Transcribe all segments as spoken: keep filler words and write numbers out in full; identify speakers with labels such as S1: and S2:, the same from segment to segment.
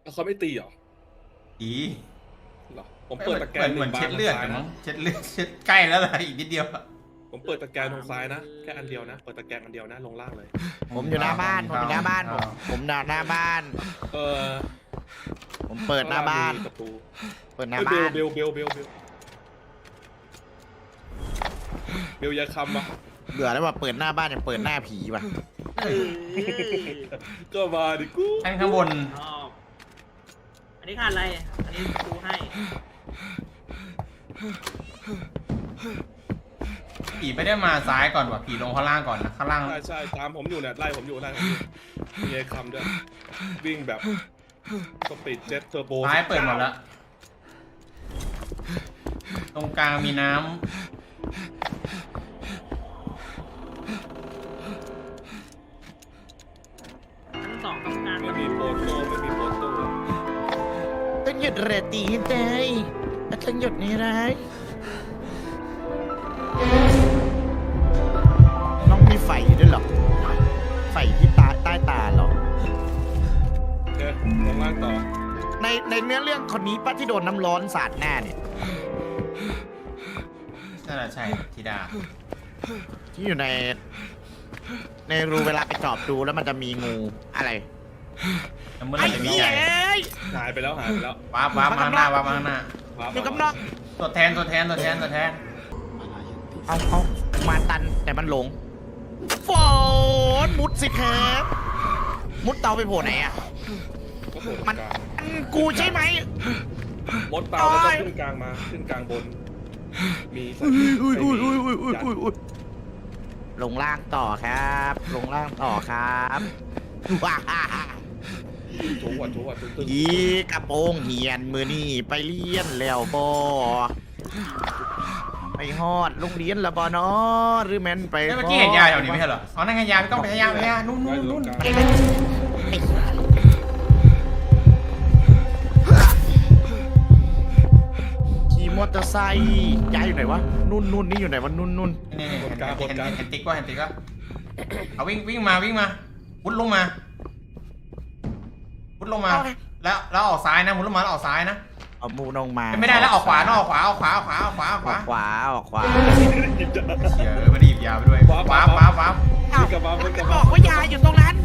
S1: เขาไม่ตีเหรอ
S2: อี
S1: เหรอผมเปิดตะแกรง
S2: เหมือน
S1: ห
S2: เช็
S1: นึ่
S2: ด
S1: งบาน
S2: เลือด
S1: ทาง
S2: กัน
S1: ซ้าย
S2: มั้
S1: นะ
S2: งเช็ดเลือดเช็ดใกล้แล้วล่ะอีกนิดเดียว
S1: ผมเปิดตะแกรงทางซ้ายนะแค่อันเดียวนะเปิดตะแกรงอันเดียวนะลงล่างเลย
S3: ผมอยู่หน้าบ้านผมอยู่หน้าบ้านผมผมหน้าหน้าบ้าน
S1: เออ
S3: ผมเปิดหน้าบ้าน
S1: มีประตู
S3: เปิดหน้า
S1: เบ
S3: บ้า
S1: ล
S3: น
S1: เบลเบลเบลเบลเบลยาคำอ่ะ
S3: เบื่อแล้วว่าเปิดหน้าบ้านยังเปิดหน้าผีว่ะ
S4: เออ
S1: ก็มาดิกู
S2: แท่งข้างบน
S4: ชอบอันนี้ขาดอะไร อันนี้ดูให้
S2: ผีไม่ได้มาซ้ายก่อนว่ะผีลงข้างล่างก่อนนะข้างล่าง
S1: ใช่ใช่ตามผมอยู่เนี่ยไล่ผมอยู่ไล่ผมอยู่มียายคำด้วยวิ่งแบบสปีดเจ็ตเทอร์โบ
S2: ซ้ายเปิดหมดแล้วตรงกลางมีน้
S4: ทั้งสองกรรมการ
S1: ไม่มีโปโต้ไม่มีโปโต้
S3: ต้องหยุดเรตีให้ได้ต้องหยุดนี่ไรน้องมีไฟอยู่ด้วยเหรอไฟที่ตาใต้ตาเหรอ
S1: เนี่ยลงล่างต่อ
S3: ในในเนื้อเรื่องคนนี้ป้าที่โดนน้ำร้อนสาดหน้าเนี่ย
S2: ำนั่นแหละใช่ธิดา
S3: ที่อยู่ใน ในรูเวลาไปจอบดูแล้วมันจะมีงูอะไร
S2: แล้วเมื่อไห
S3: ไอ้
S2: ร่จะมี
S3: เหี้
S2: ใจ
S3: ยเอ้ย
S1: หายไปแล้วหายไปแล้ว
S2: ว้าบว้าบมาข้างหน้าว้าบมาข้างหน้า
S1: ว้าว
S3: อยู่กับน้อง
S2: ตัวแทนตัวแทนตัวแทนตัวแทน
S3: เอาเอามาตันแต่มันหลงฝนมุดสิครับมุดเตาไปโผล่ไหนอ่ะ
S1: ก็โผล่
S3: มั
S1: ต
S3: น
S1: รงกลาง
S3: มันกูใช่ไหม
S1: มดเตาแล้วก็ขึ้นกลางมาขึ้นกลางบน มีใส่ยัด
S3: ลงล่างต่อครับ ลงล่างต่อครับว้า
S1: ถูกว่าถูกว่าตึ้งตึ้ง
S3: อีกระโปรงเหียนมือนี่ไปเรียนแล้วบอไปฮอดโรงเรียนแล้วบอเนาะหรือแมนไป
S2: เมื่อกี้เห็นยาแถวนี้ไม่ใช่เหรออ๋อนั่นไงยาไม่ต้องไปใช้ยาไปยานู่นนู่นนู่น
S3: ขี่มอเตอร์ไซค์ย้ายอยู่ไหนวะนุ่นนุ่นนี่อยู่ไหนวะนุ่นนุ่น
S2: นี่นี่เห็นเห็นเห็นเห็นติ๊กว่าเห็นติ๊กว่าเอาวิ่งวิ่งมาวิ่งมาพุดลงมาพุดลงมา แล้วแล้วออกซ้ายนะพุดลงมาแล้วออกซ้ายนะ
S3: เอามูนงมา
S2: ไม่ได้แล้วออกขวาเนอะออกขวาออกขวาออกขวาออกขวาออกข
S3: อ
S2: วา
S3: อกขวาออกขวา
S2: เดี๋ยวไม่ได้หยิบยาไปด้วยว้าวว้าวว้าวว้าว
S3: อ้าว
S1: กลับมา
S3: มัน
S1: ก
S3: ก็
S1: ลับบ มา
S3: อกว่ายาอยู่ตรงนั้น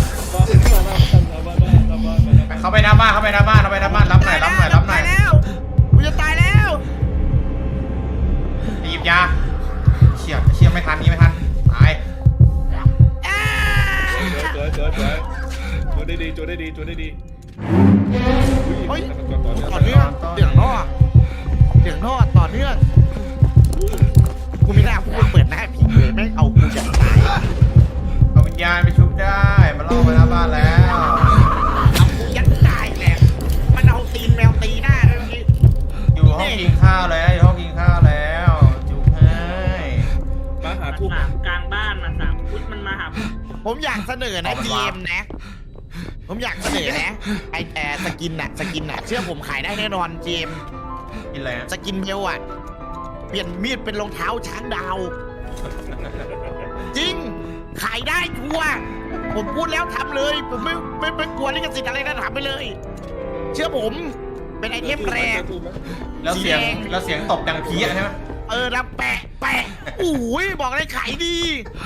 S2: เข้าไปหน้าบ้านเข้าไปหน้าบ้านเข้าไปหน้าบ้านรับหน่อยรับหน่อยรับหน่อย
S3: ตายแล้วกูจะตายแล้ว
S2: หยิบยาเชี่ยเชี่ยไม่ทันนี่ไม่ทันตาย
S3: อ้า
S1: เจอเจอเจอจูได้ดีจูได้ดีจูได้ดี
S3: เฮ้ย
S1: ต่อ
S3: ต่
S1: เนื่
S3: อ
S1: อง
S3: เนื่องเสียงท่อเสียงท่อต่อเนื่องกูไม่น่าพูดเปิดหน้าผีเลยแม่งเอากูอย่างตาย
S2: เอาวิญญาณไปชุบได้มาล่อไปหน้าบ้านแล้ว
S3: เอากูยัดตายแหละมันเอาตีนแมวตีหน้าด้วยเมื่อกี้
S2: อยู่ห้องกินข้าวแล้วอยู่ห้องกินข้าวแล้วจุกให้
S1: มาหา
S4: มา
S1: ทูบ
S4: สามกลางบ้านมาสามพุทธมันมาหาผม
S3: ผมอยากเสนอนะเกมนะ ผมอยากเสนอนะไอแอร์สกินน่ะสกินน่ะเชื่อผมขายได้แน่นอนเจม
S2: กินอะไรนะ
S3: สกินเบลอ่ะเปลี่ยนมีดเป็นรองเท้าช้างดาว จริง ขายได้ชัวร์ผมพูดแล้วทำเลย ผมไม่ไม่ไม่กลัวลิขสิทธิ์อะไรนะทำไปเลย เชื่อผม เป็นไอเทมแรง
S2: แล้วเสียงแล้วเสียงตบดังเพี้ยใช่ไหม
S3: เออแล้วแปะแปะอุ้ยบอกเลยขายดี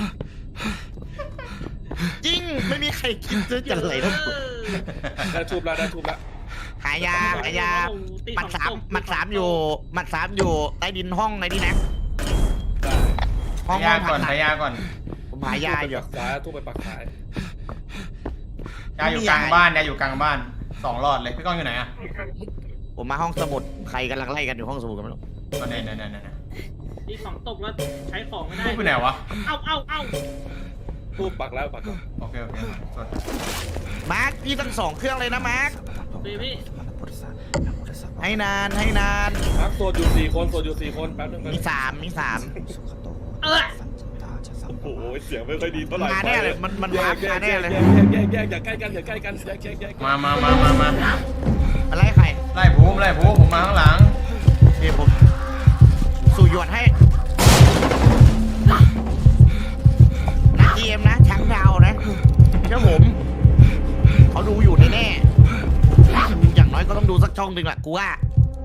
S3: จริงไม่มีใครคิดจะเลยนะ
S1: ได้ทูบแล้วได้ทูบแล้ว
S3: หายาหายาหมัดสามหมัดสามอยู่หมัดสามอยู่ใต้ดินห้องไอ้นี่นะห้อง
S2: ยา
S3: ห้อง
S2: ก่อน
S3: ผ่
S2: พยาก่อน
S3: ผมหายาอยู่
S1: ปักซ้ายทูบไปปักซ้าย
S2: ยาอยู่กลางบ้านยาอยู่กลางบ้านสองหลอดเลยพี่ก้องอยู่ไหนอะ
S3: ผมมาห้องสมุดใครกำลังไล่กันอยู่ห้องสมุดกันไม่รู้
S2: ก็เนี่ยเนี่ยเนี่ยเนี่ย
S4: ที่สองตกแล้วใช้ของไม่ได้
S2: ทูบไปไหนวะ
S4: เอ้าเอ้าเอ้า
S1: ทูบปักแล้วปักแล้ว
S2: โอเคโอเคสด
S3: มาร์คพี่ทั้งสองเครื่องเลยนะมาร์ค
S4: เบบี้
S3: ให้นานให้นาน
S1: พักโซนอยู่สี่คนโซนอยู่สี่คนแป๊บนึง
S3: มีสามมีสาม
S4: เออ
S1: โอ้โหเสียงไม่ค่อยดีเท่าไหร่
S3: มาแน่เลยมันมัน
S1: แย
S3: วาก ร์ป
S1: แย
S3: มาก แน่เลย
S1: แยกแยกแยกอย่าใกล้กันอย่าใกล้กันแยกแยกแยก
S2: มามามามามา
S3: อะไรใคร
S2: ไล่ภูมิไล่ภูมิผมมาข้างหลัง
S3: เดี๋ยวผมสู่หยวนให้นักเกมนะช้างดาวนะเจ้าผมเขาดูอยู่แน่ๆช่องหนึ่งแหละกูว่า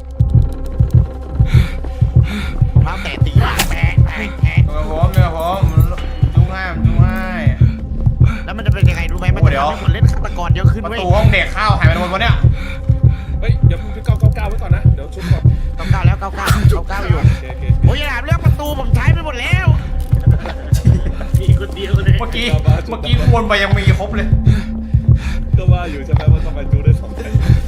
S3: เท้าแตะตีแตะแตะแตะ
S2: เดี๋ยวผมเดี๋ยวผมจุ้งให้จุ้งให้
S3: แล้วมันจะเป็นยังไงรู้ไหมมันจะทำให้คนเล่นฆาตกรเยอะขึ้น
S2: ประ
S3: เว้ย
S2: ตูห้องเด็กเข้าหายไปหมดวะเนี่ย
S1: เฮ้ยเดี๋ยวพี่เก้าเก้าเก้าไว้ก่อนนะเดี๋ยวชุบก่อน
S3: เก้าเก้าแล้วเก้าเก้าเก้าเก้าอยู่
S1: โอเคโอเค
S3: โอ้ยอย่าถามเรื่องประตูผมใช้ไปหมดแล้ว
S4: มีคนเดียวเลย
S2: เมื่อกี้เมื่อกี้วนไปยังมีครบเลย
S1: ก็ว่าอยู่ใช่ไหมว่าทำไมจูได้สองใจ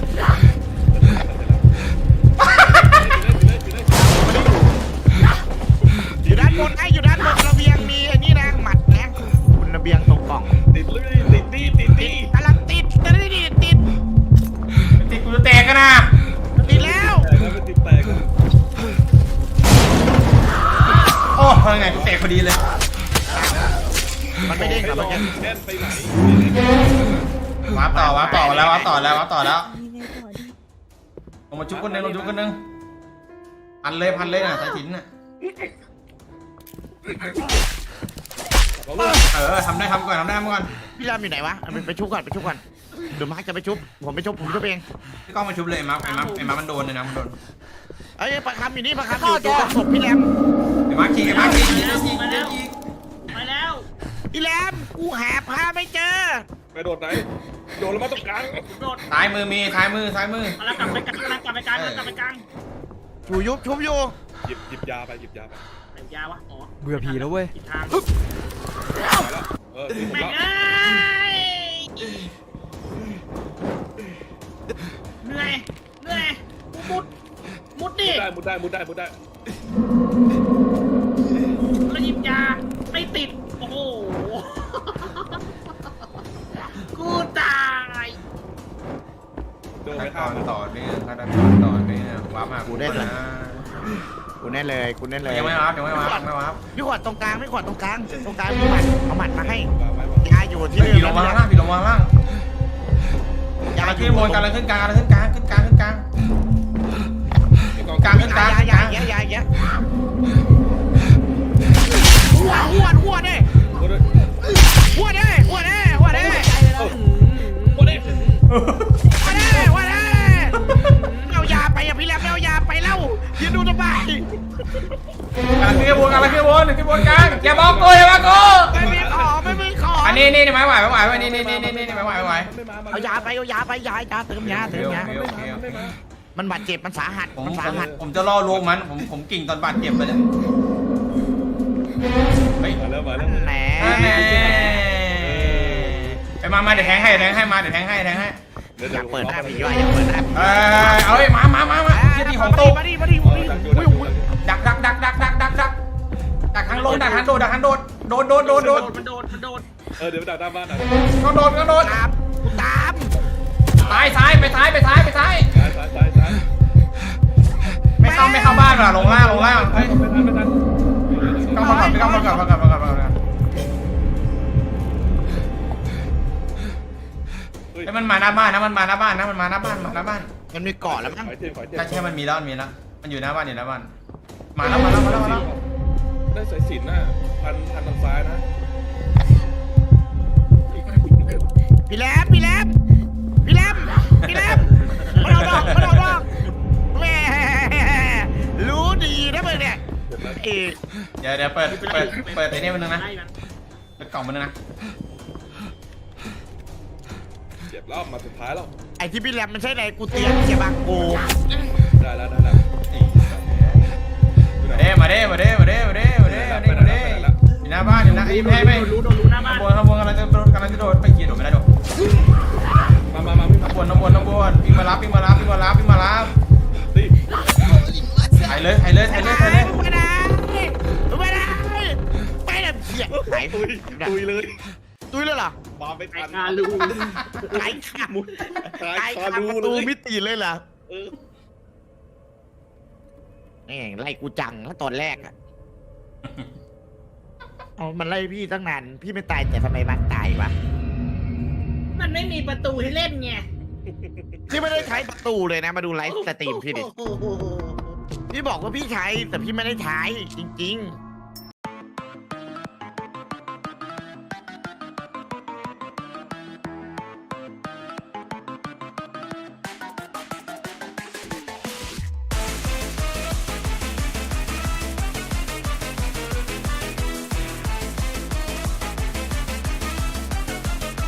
S3: อยู่ด้านบนไอ้อยู่ด้านบนระเบียงมีไอ้นี่นะหมัดนะคุณระเบียงตรงกล่อง
S1: ติดเลยติดนี่ติดนี่
S3: กำลังติดติดติดติด
S2: ติดกูจะแตกกันนะ
S3: ติดแล้ว
S1: แต่แล้วมันติดแตกกัน
S2: โอ้ยังไงกูแตกพอดีเลย
S3: มันไม่เด้งหรอมันจะ
S1: แค่นไปไหน
S2: วาร์ปต่อวาร์ปต่อแล้ววาร์ปต่อแล้ววาร์ปต่อแล้ว
S5: ยังไงต่อดี
S2: ลงมาจุกคนหนึงลงจุกคนหนึงพันเลยพันเลยน่ะสายสิญจน์น่ะเออทำได้ทำก่อนทำได้ทำก่อน
S3: พี่รามอยู่ไหนวะเอาไปไปชุบก่อนไปชุบก่อนเดี๋ยวมาร์คจะไปชุบผมไปชุบผมชุบเอง
S2: พี่ก้องมาชุบเลยไอ้มาร์คไอ้มาร์คไอ้มาร์คมันโดนเลยนะมันโดน
S3: เอ้ยปลาคำอยู่นี่ปลาคำอยู่ตัวศพพี่แรม
S2: ไอ้มาร์คขี่ไอ้มาร์คขี่ขี่ขี่ขี่
S4: มาแล้วมาแล้ว
S3: พี่แรมกูหาผ้าไม่เจอ
S1: ไปโดดไหนโดดแล้วมาตรงกลาง
S4: โดด
S2: ซ้ายมือมีซ้ายมือซ้ายมือ
S4: มาแล้วกลับไปกลางกลับไปกลางกลับไปกลาง
S3: อยู่ยุบชุบอยู่
S1: หยิบหยิบยาไปหยิบยาไป
S4: ไหนยาวะอ๋อ
S6: เบื่อผีแล้วเว้ย
S4: ผิดทาง
S1: มาแล้วเออนี่ผม
S4: แม่ง
S1: ละ
S4: เอ้ยเหนื่อยเหนื่อยมุดมุดดิ
S1: มุดได้มุดได้มุดได้มุดได้
S4: แล้วหยิบยาไม่ติดโอ้โหกูตาย
S1: โดด
S2: ขั้
S1: ไป
S2: นต
S1: ข้า
S2: อ
S1: ม
S2: นต่อเนื่องขั้นตอนต่อเนื่องวาร์ปมากูได้นะ
S3: กูแน่เลยกูแน่เลย
S2: ยังไม่วาร์ปยังไม่วาร์ปยังไม่วาร์ป
S3: พี่ขวดตรงกลางพี่ขวดตรงกลางตรงกลางมีหมัดเอาหมัดมาให้
S1: วางไว้วาง
S3: ยาอยู่ที่
S2: ผีลงมาข้างล่างผีลงมาข้างล่าง
S3: ยา
S2: การ
S3: อ
S2: ขึ้
S3: ยู่
S2: นบนการขึ้นกลางการขึ้นกลางขึ้นกลางขึ้นกลาง กลางขึ้นกลาง
S3: ยายายายายาหัวหัวหัวเด้
S1: โดดเลย
S3: หัวเด้หัวเด้หัวเด้
S1: โดดเลย
S3: หัวเด้หัวเด้เอายาไปอ่ะพี่แรมเอายาไปแล้วยืนดูทำไม
S2: การขึ้นบนการขึ้นบนขึ้นบนกลางอย่าบอกกูอย่าบอกกู
S3: ไม่มีขอไม่มีขอ
S2: อันนี้นี่ไม่ไหวไม่ไหวไม่นี่นี่นี่นี่นี่ไม่ไหวไม่ไหว
S1: ไม่มา
S3: เอายาไปเอายาไปยายาเติมยาเติมยา
S2: โอเคโอเค
S3: มันบาดเจ็บมันสาหัส
S2: ผม
S3: มัน
S2: ผ
S3: สามหัส
S2: ผมจะล่อลวงมันผมผมกิ่งตอนบาดเจ็บไปเลยเฮ้ย
S1: มาแล้วมาแล้ว
S3: แหม
S2: ไปมามาเดี๋ยวแทงให้แทงให้มาเดี๋ยวแทงให้แทงให้
S3: อยากเปิดหน้าพี่ย่อยอยากเปิดหน้า
S2: เออเอาเลยมามามามาที่ของตู้
S3: มาดิมาดิมาดิอุ้ยอุ้ย
S2: ดักดักดักดักดักดักดักดักทางลงดักทางโดดดักทางโดดโดดโดดโดดโดด
S4: มันโดดมันโดด
S1: เออเดี๋ยวไปดักหน้าบ้านหน่อย
S2: ก็โดดก็โดด
S3: ตามกูตาม
S2: ซ้ายซ้ายไปซ้ายไปซ้ายไปซ้าย
S1: ซ้ายซ้ายซ้ายซ้าย
S2: ไม่เข้าไม่เข้าบ้านหรอลงล่างลงล่างเฮ้ย
S1: ไม่ทันไม่ทัน
S2: เข้ามาก่อนเข้ามาก่อนเข้ามาก่อนเข้ามาก่อน
S1: เฮ้ย
S2: ไอ้มันมาหน้าบ้านนะมันมาหน้าบ้านนะมันมาหน้าบ้านมาหน้าบ้าน
S3: มันมีเกาะแล้วมั้ง
S1: ขอยเทียนขอยเทียน
S2: ถ้าใช่มันมีแล้วมันมีแล้วมันอยู่หน้าบ้านอยู่หน้าบ้านมาแล้วมาแล้วมาแล้วมาแล้ว
S1: ได้สายสิญจน์น่ะพันพันทางซ้ายนะ
S3: พี่แรมพี่แรมพี่แรมพี่แรมมาเอาดอกมาเอาดอกแม่รู้ดีนะมึงเนี่ยเอ
S2: เดี๋ยวเดี๋ยวเปิดเปิดเปิดไอ้นี่มันนึงนะ
S4: ไล่มัน
S2: เปิดกล่องมันนึงนะ
S1: เจ็บรอบมาสุดท้ายแล้ว
S3: ไอที่พี่แรมมันใช่ไหนกูเตรียมเสียบางกู
S1: ได้แล้วได้แล้ว
S2: มาเด้มาเด้มาเด้มาเด้มาเด้มาเด้มาเด้มาเด้อยู่หน้าบ้านอยู่หน้าไอ้ไม่ไม่
S4: รู้โดนรู้หน้าบ้า
S2: ข้าน งบนข้างบนกำลังจะโดดกำลังจะโดดไปเกียร์โดดไม่ได้โดด
S1: มามามาพี่
S2: ข้างบนข้างบนข้างบนวิ่งมารับวิ่งมารับวิ่งมารับวิ่งมารับ
S1: ตี
S2: ถ่ายเลยถ่ายเลยถ่ายเลยถ่ายเลย
S3: ไม่ได้ไม่ได้ไม่ได้เสียไหน
S1: ตุยตุยเลย
S3: ตุ้ยเลยเหรอ
S1: มาไม่
S4: ไอ้
S1: ทัน
S4: คาลู
S3: ไหนขาด
S1: ตาย
S3: ไหน
S1: คา
S3: ขาด
S1: ดู
S3: ประ
S1: เล
S3: ตู
S1: ย
S3: มิติเลยเหรอ
S1: เออ
S3: นี่ไล่กูจังนะตอนแรกอะเอามันไล่พี่ตั้งนานพี่ไม่ตายแต่ทำไมมันตายวะ
S4: มันไม่มีประตูให้เล่นไง
S3: พี่ไม่ได้ใช้ประตูเลยนะมาดูไลฟ์สตรีมพี่ดิพี่บอกว่าพี่ใช้แต่พี่ไม่ได้ใช้จริง ๆ